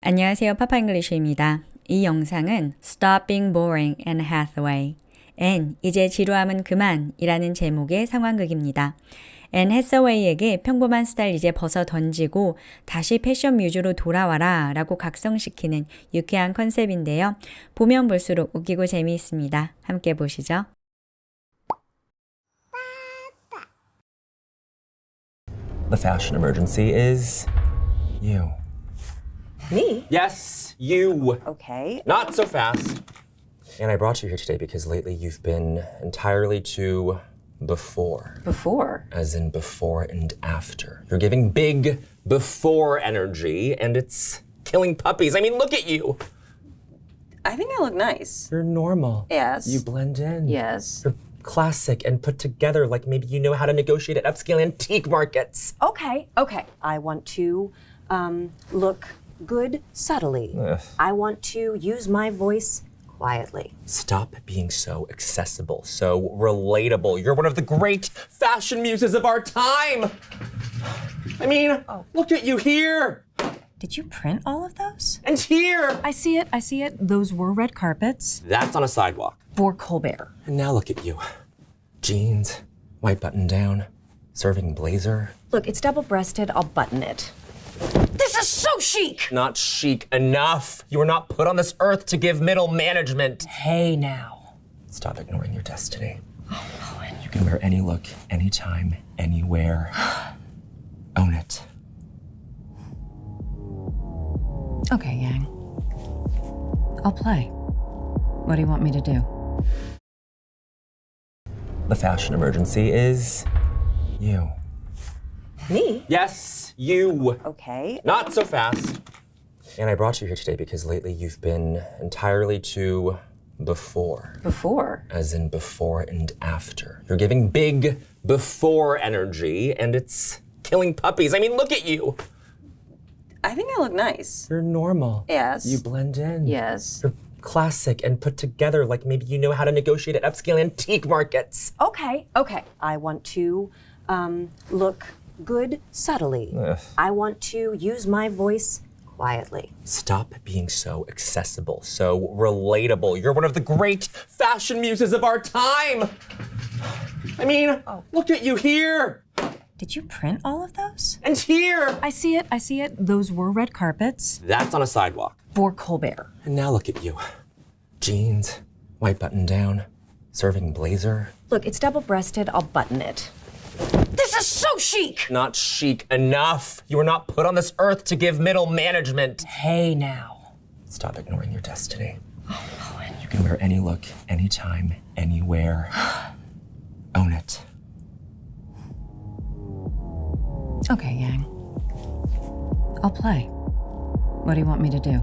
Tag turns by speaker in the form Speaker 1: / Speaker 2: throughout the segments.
Speaker 1: 안녕하세요. 파파잉글리쉬입니다. 이 영상은 Stop Being Boring, Anne Hathaway. 앤, 이제 지루함은 그만 이라는 제목의 상황극입니다. 앤 해서웨이에게 평범한 스타일 이제 벗어 던지고 다시 패션 뮤즈로 돌아와라 라고 각성시키는 유쾌한 컨셉인데요. 보면 볼수록 웃기고 재미있습니다. 함께 보시죠.
Speaker 2: The fashion emergency is you.
Speaker 3: Me?
Speaker 2: Yes, you.
Speaker 3: Okay.
Speaker 2: Not so fast. And I brought you here today because lately you've been entirely too before.
Speaker 3: Before?
Speaker 2: As in before and after. You're giving big before energy and it's killing puppies. I mean, look at you.
Speaker 3: I think I look nice.
Speaker 2: You're normal.
Speaker 3: Yes.
Speaker 2: You blend in.
Speaker 3: Yes.
Speaker 2: You're classic and put together like maybe you know how to negotiate at upscale antique markets.
Speaker 3: Okay. I want to look good subtly.
Speaker 2: Ugh.
Speaker 3: I want to use my voice quietly.
Speaker 2: Stop being so accessible, so relatable. You're one of the great fashion muses of our time. I mean, look at you here
Speaker 3: Did you print all of those?
Speaker 2: and here.
Speaker 3: I see it. Those were red carpets
Speaker 2: That's on a sidewalk.
Speaker 3: for Colbert.
Speaker 2: And now look at you. Jeans, white button down, serving blazer.
Speaker 3: Look, it's double-breasted. I'll button it. This is so chic!
Speaker 2: Not chic enough. You were not put on this earth to give middle management.
Speaker 3: Hey now.
Speaker 2: Stop ignoring your destiny. You can wear any look, anytime, anywhere. Own it.
Speaker 3: Okay, Yang. I'll play. What do you want me to do?
Speaker 2: The fashion emergency is you.
Speaker 3: Me?
Speaker 2: Yes, you.
Speaker 3: Okay.
Speaker 2: Not so fast. And I brought you here today because lately you've been entirely too before.
Speaker 3: Before?
Speaker 2: As in before and after. You're giving big before energy and it's killing puppies. I mean, look at you.
Speaker 3: I think I look nice.
Speaker 2: You're normal.
Speaker 3: Yes.
Speaker 2: You blend in.
Speaker 3: Yes.
Speaker 2: You're classic and put together like maybe you know how to negotiate at upscale antique markets.
Speaker 3: Okay. I want to look good subtly.
Speaker 2: Ugh.
Speaker 3: I want to use my voice quietly.
Speaker 2: Stop being so accessible, so relatable. You're one of the great fashion muses of our time. I mean, look at you here
Speaker 3: Did you print all of those?
Speaker 2: and here.
Speaker 3: I see it. Those were red carpets
Speaker 2: That's on a sidewalk.
Speaker 3: for Colbert.
Speaker 2: And now look at you. Jeans, white button down, serving blazer.
Speaker 3: Look, it's double-breasted. I'll button it. This is so chic!
Speaker 2: Not chic enough. You were not put on this earth to give middle management.
Speaker 3: Hey now.
Speaker 2: Stop ignoring your destiny. You can wear any look, anytime, anywhere. Own it.
Speaker 3: Okay, Yang. I'll play. What do you want me to do?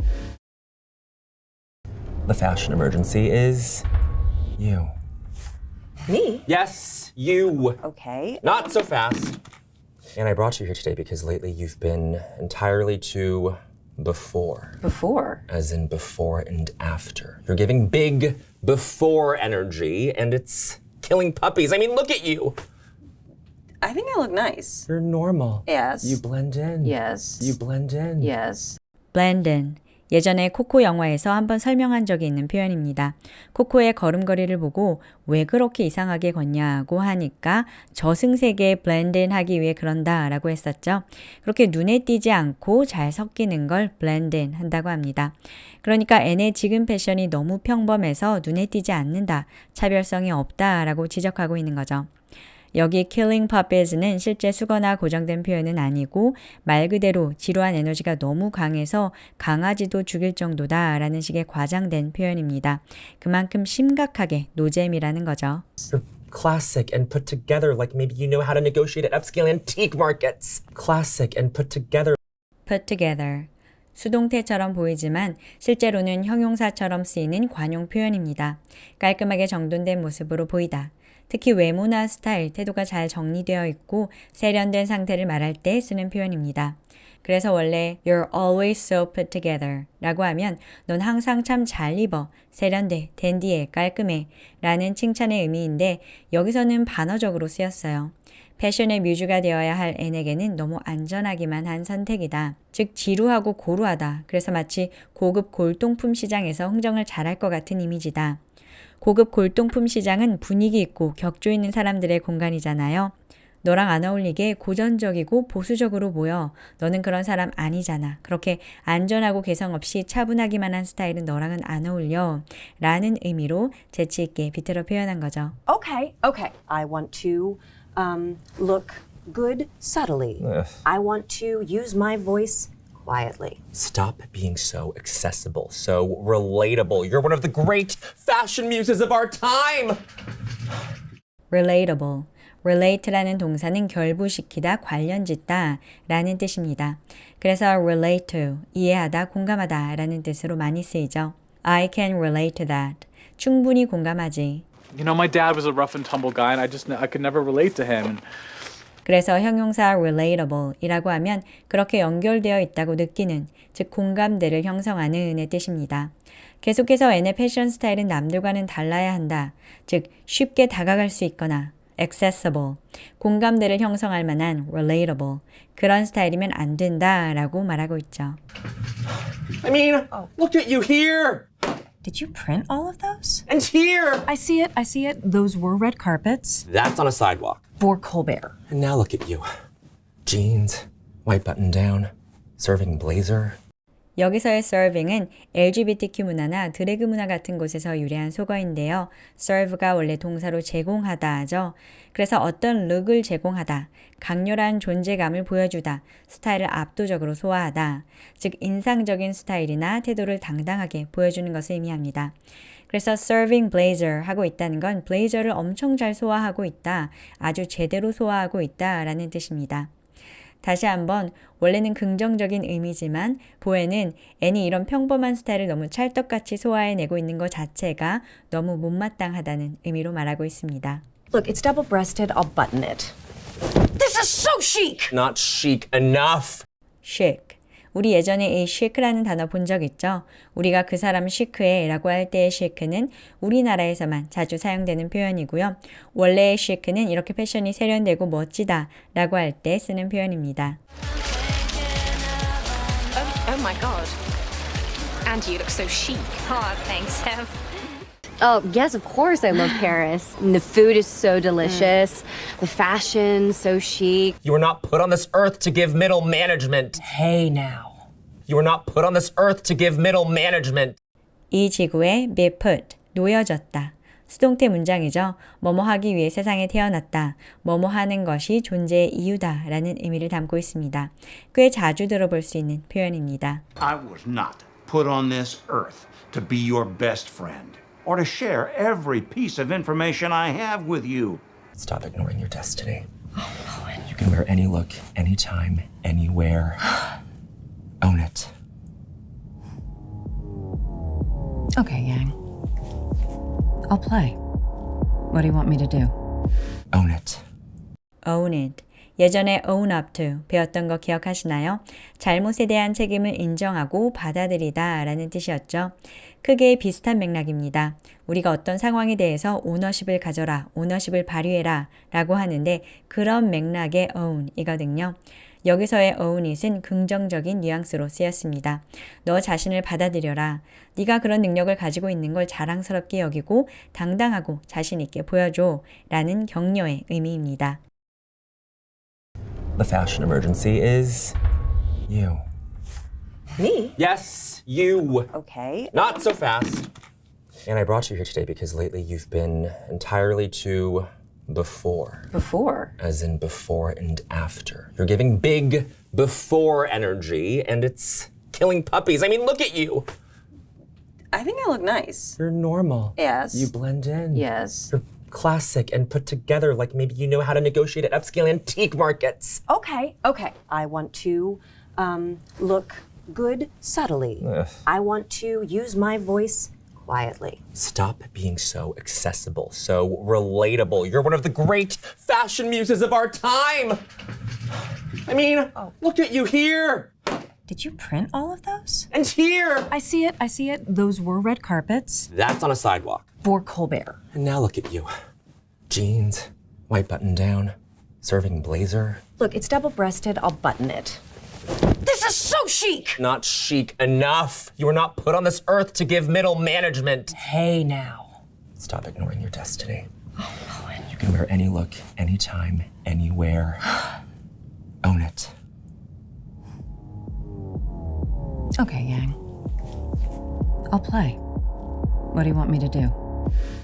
Speaker 2: The fashion emergency is you.
Speaker 3: Me?
Speaker 2: Yes, you.
Speaker 3: Okay.
Speaker 2: Not so fast. And I brought you here today because lately you've been entirely too before.
Speaker 3: Before?
Speaker 2: As in before and after. You're giving big before energy and it's killing puppies. I mean, look at you.
Speaker 3: I think I look nice.
Speaker 2: You're normal.
Speaker 3: Yes.
Speaker 2: You blend in.
Speaker 3: Yes.
Speaker 2: You blend in.
Speaker 3: Yes.
Speaker 1: blend in. 예전에 코코 영화에서 한번 설명한 적이 있는 표현입니다. 코코의 걸음걸이를 보고 왜 그렇게 이상하게 걷냐고 하니까 저승세계에 blend in 하기 위해 그런다 라고 했었죠. 그렇게 눈에 띄지 않고 잘 섞이는 걸 blend in 한다고 합니다. 그러니까 앤의 지금 패션이 너무 평범해서 눈에 띄지 않는다, 차별성이 없다 라고 지적하고 있는 거죠. 여기 killing puppies는 실제 수거나 고정된 표현은 아니고 말 그대로 지루한 에너지가 너무 강해서 강아지도 죽일 정도다 라는 식의 과장된 표현입니다. 그만큼 심각하게 노잼이라는 거죠.
Speaker 2: You're classic and put together like maybe you know how to negotiate at upscale antique markets. Classic and put together.
Speaker 1: put together. 수동태처럼 보이지만 실제로는 형용사처럼 쓰이는 관용 표현입니다. 깔끔하게 정돈된 모습으로 보이다. 특히 외모나 스타일, 태도가 잘 정리되어 있고 세련된 상태를 말할 때 쓰는 표현입니다. 그래서 원래 You're always so put together 라고 하면 넌 항상 참 잘 입어, 세련돼, 댄디해, 깔끔해 라는 칭찬의 의미인데 여기서는 반어적으로 쓰였어요. 패션의 뮤즈가 되어야 할 N에게는 너무 안전하기만 한 선택이다. 즉 지루하고 고루하다. 그래서 마치 고급 골동품 시장에서 흥정을 잘할 것 같은 이미지다. 고급 골동품 시장은 분위기 있고 격조 있는 사람들의 공간이잖아요. 너랑 안 어울리게 고전적이고 보수적으로 보여. 너는 그런 사람 아니잖아. 그렇게 안전하고 개성 없이 차분하기만 한 스타일은 너랑은 안 어울려. 라는 의미로 재치 있게 비틀어 표현한 거죠.
Speaker 4: Okay, okay. I want to look good subtly. I want to use my voice quietly.
Speaker 2: Stop being so accessible, so relatable. You're one of the great fashion muses of our time.
Speaker 1: relatable. relate라는 동사는 결부시키다, 관련짓다 라는 뜻입니다. 그래서 relate to, 이해하다, 공감하다 라는 뜻으로 많이 쓰이죠. I can relate to that. 충분히 공감하지.
Speaker 5: You know, my dad was a rough and tumble guy, and I could never relate to him.
Speaker 1: 그래서 형용사 relatable 이라고 하면 그렇게 연결되어 있다고 느끼는, 즉 공감대를 형성하는 의 뜻입니다. 계속해서 N의 패션 스타일은 남들과는 달라야 한다. 즉 쉽게 다가갈 수 있거나 accessible, 공감대를 형성할 만한 relatable, 그런 스타일이면 안 된다라고 말하고 있죠.
Speaker 2: I mean, look at you here
Speaker 3: Did you print all of those?
Speaker 2: and here.
Speaker 3: I see it. I see it. Those were red carpets
Speaker 2: That's on a sidewalk.
Speaker 3: for Colbert.
Speaker 2: And now look at you. Jeans, white button down, serving blazer.
Speaker 1: 여기서의 serving은 LGBTQ 문화나 드래그 문화 같은 곳에서 유래한 속어인데요. serve가 원래 동사로 제공하다죠. 그래서 어떤 룩을 제공하다, 강렬한 존재감을 보여주다, 스타일을 압도적으로 소화하다, 즉 인상적인 스타일이나 태도를 당당하게 보여주는 것을 의미합니다. 그래서 serving blazer 하고 있다는 건 블레이저를 엄청 잘 소화하고 있다, 아주 제대로 소화하고 있다 라는 뜻입니다. 다시 한번 원래는 긍정적인 의미지만 보에는 N이 이런 평범한 스타일을 너무 찰떡같이 소화해내고 있는 것 자체가 너무 못마땅하다는 의미로 말하고 있습니다.
Speaker 4: Look, it's double-breasted. I'll button it. This is so chic!
Speaker 2: Not chic enough.
Speaker 1: chic. 우리 예전에 이 chic라는 단어 본 적 있죠? 우리가 그 사람 시크해 라고 할 때의 chic는 우리나라에서만 자주 사용되는 표현이고요. 원래의 chic는 이렇게 패션이 세련되고 멋지다 라고 할 때 쓰는 표현입니다.
Speaker 6: Oh my god. And you look so chic. Oh, thanks, Ev.
Speaker 7: Oh, yes, of course I love Paris. And the food is so delicious. The fashion, so chic.
Speaker 2: You were not put on this earth to give middle management.
Speaker 4: Hey now.
Speaker 2: You were not put on this earth to give middle management.
Speaker 1: 이 지구에 be put, 놓여졌다. 수동태 문장이죠. 뭐뭐 하기 위해 세상에 태어났다. 뭐뭐 하는 것이 존재의 이유다 라는 의미를 담고 있습니다. 꽤 자주 들어볼 수 있는 표현입니다.
Speaker 8: I was not put on this earth to be your best friend or to share every piece of information I have with you.
Speaker 2: Stop ignoring your destiny. You can wear any look, anytime, anywhere. Own it.
Speaker 3: Okay, Yang. I'll play. What do you want me to do?
Speaker 2: Own it.
Speaker 1: own it. 예전에 own up to 배웠던 거 기억하시나요? 잘못에 대한 책임을 인정하고 받아들이다 라는 뜻이었죠. 크게 비슷한 맥락입니다. 우리가 어떤 상황에 대해서 오너십을 가져라, 오너십을 발휘해라 라고 하는데 그런 맥락의 own 이거든요. 여기서의 own it은 긍정적인 뉘앙스로 쓰였습니다. 너 자신을 받아들여라. 네가 그런 능력을 가지고 있는 걸 자랑스럽게 여기고 당당하고 자신 있게 보여줘 라는 격려의 의미입니다.
Speaker 2: The fashion emergency is you.
Speaker 4: Me?
Speaker 2: Yes, you.
Speaker 4: Okay.
Speaker 2: Not so fast. And I brought you here today because lately you've been entirely too before.
Speaker 4: Before?
Speaker 2: As in before and after. You're giving big before energy and it's killing puppies. I mean, look at you.
Speaker 4: I think I look nice.
Speaker 2: You're normal.
Speaker 4: Yes.
Speaker 2: You blend in.
Speaker 4: Yes.
Speaker 2: You're classic and put together like maybe you know how to negotiate at upscale antique markets.
Speaker 4: Okay, okay. I want to look good subtly. I want to use my voice quietly.
Speaker 2: Stop being so accessible, so relatable. You're one of the great fashion muses of our time. I mean, look at you here
Speaker 3: Did you print all of those?
Speaker 2: and here.
Speaker 3: I see it. I see it. Those were red carpets
Speaker 2: That's on a sidewalk.
Speaker 3: for Colbert.
Speaker 2: And now look at you. Jeans, white button down, serving blazer.
Speaker 4: Look, it's double-breasted. I'll button it. This is so chic!
Speaker 2: Not chic enough. You were not put on this earth to give middle management.
Speaker 4: Hey now.
Speaker 2: Stop ignoring your destiny. You can wear any look, anytime, anywhere. Own it.
Speaker 3: Okay, Yang. I'll play. What do you want me to do?